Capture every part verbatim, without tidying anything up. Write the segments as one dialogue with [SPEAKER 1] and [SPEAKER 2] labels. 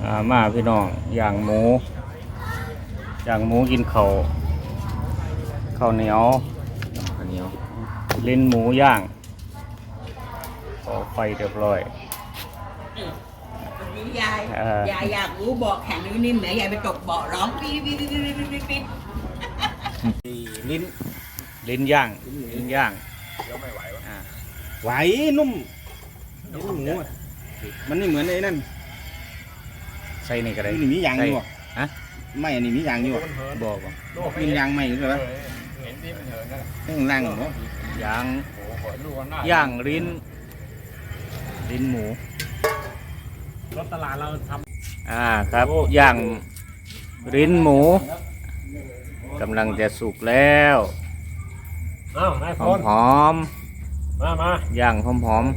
[SPEAKER 1] อ่ามาพี่น้องย่างหมูย่างหมูกินข้าวข้าวเหนียวข้าวเหนียวลิ้นหมูย่างต่อไฟเรียบร้อย
[SPEAKER 2] ยายยายอยากรู้บอกแข็งนิ่มๆไหนยายไปตกเบาะร้องปี๊ดปี๊ดปี๊ดปี๊ดปี๊ด
[SPEAKER 1] ลิ้นลิ้นย่างลิ้นย่างไม่ไหวไหวนุ่มลิ้นหมูมันไม่เหมือนไอ้นั่นใส่นี่ก็ได้นี่มียางอยู่ฮะไม่อันนี้มียางอยู่บอกว่ามียางไม่หรือเปล่าเห็นที่มันเหินนั่นแหละล่างเหรอยางย่างลิ้นลิ้นหมูรถตลาดเราทำอ่าครับย่างลิ้นหมูกำลังจะสุกแล้วหอมหอมมามาย่างหอมหอม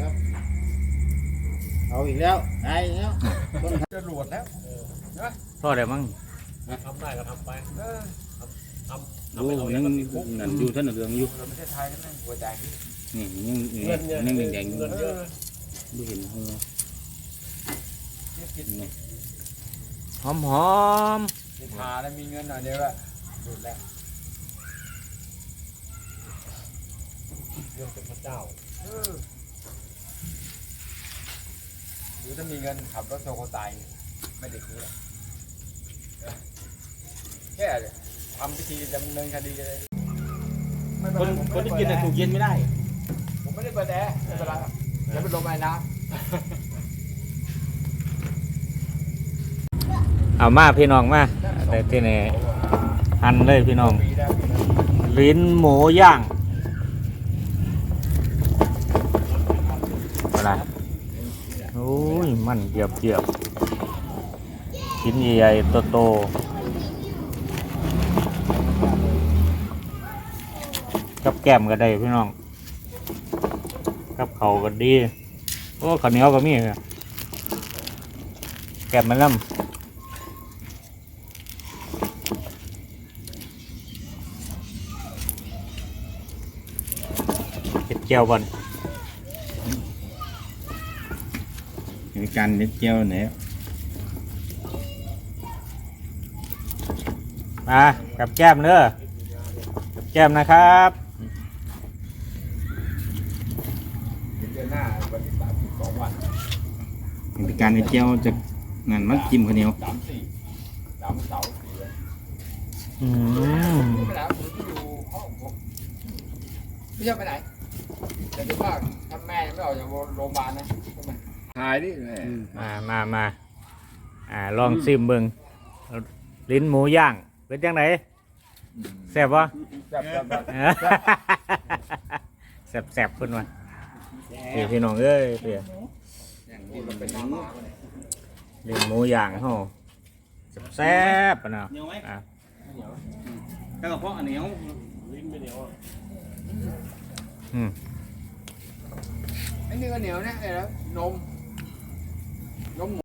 [SPEAKER 3] เอาอีกแล้วได้แล้วจะรวดแล้ว
[SPEAKER 1] พ่อได้มั้ง
[SPEAKER 3] ทำได้ก็ทำไป
[SPEAKER 1] ดูยังนั่นอยู่ท่านเรืองอยู่
[SPEAKER 3] ประเทศไทยนั่นหัวใจ
[SPEAKER 1] นี่ยังยังแดงๆดูเห็นหัวหอมหอม
[SPEAKER 3] ทาแล้วมีเงินหน่อยเดียวอะดูแล้วเรื่องเป็นพระเจ้าหรือถ้ามีเงินขับรถโซโคไตไม่ติดคุกแค่ทำพิธีดำเนินคดีเลย
[SPEAKER 1] คนคนที่กินแต่ถูกเย็นไม่ได้
[SPEAKER 3] ผมไม่ได้เปิดแอร์ไม่เป็นไรแล้วเป็นลมไอ้น้ำ
[SPEAKER 1] เอามาพี่น้องมาแต่ที่นี่หั่นเลยพี่น้องลิ้นหมูย่างอะไรโอ้ยมันเยียบเยียบชิ้นใหญ่ๆโตๆกับแก้มก็ได้พี่น้องกับเขาก็ดีโอ้ข้าวเหนียวก็มีแก้มมันน้ำเจียวบอลมีการเล็ดเจียวเนี่ยมากับแก้มเด้อกับแก้มนะครับ
[SPEAKER 3] เดือนหน้าวันที่สามสิบสองวัน
[SPEAKER 1] มีการเล็ดเจียวจากงานมัดจิ้มข้าวเหนียว
[SPEAKER 3] สามสี่สามเสาสี่
[SPEAKER 1] อืม
[SPEAKER 3] ไปไหนผมที่อยู่ห้องผมไม่ชอบไปไหนแต่ที่ว่าถ้าแม่ไม่ออกจากโรงพยาบาลนะหายดิ
[SPEAKER 1] มามามาอ่าลองซิมเบิ้งลิ้นหมูย่างเป็นยังไงแซ่บวะ
[SPEAKER 3] แซ่บแซ่บ
[SPEAKER 1] แซ่บแซ่บขึ้นมาพี่พี่น้องเอ้ยเพี่ยลิ้นหมูย่างเขาแซ่บปะเนาะอ่ะกระเพาะเหนียวลิ้นไม่เหนียวอืม
[SPEAKER 3] ไอ้นี่ก็เหนียวนะไอ้แล้วนมนม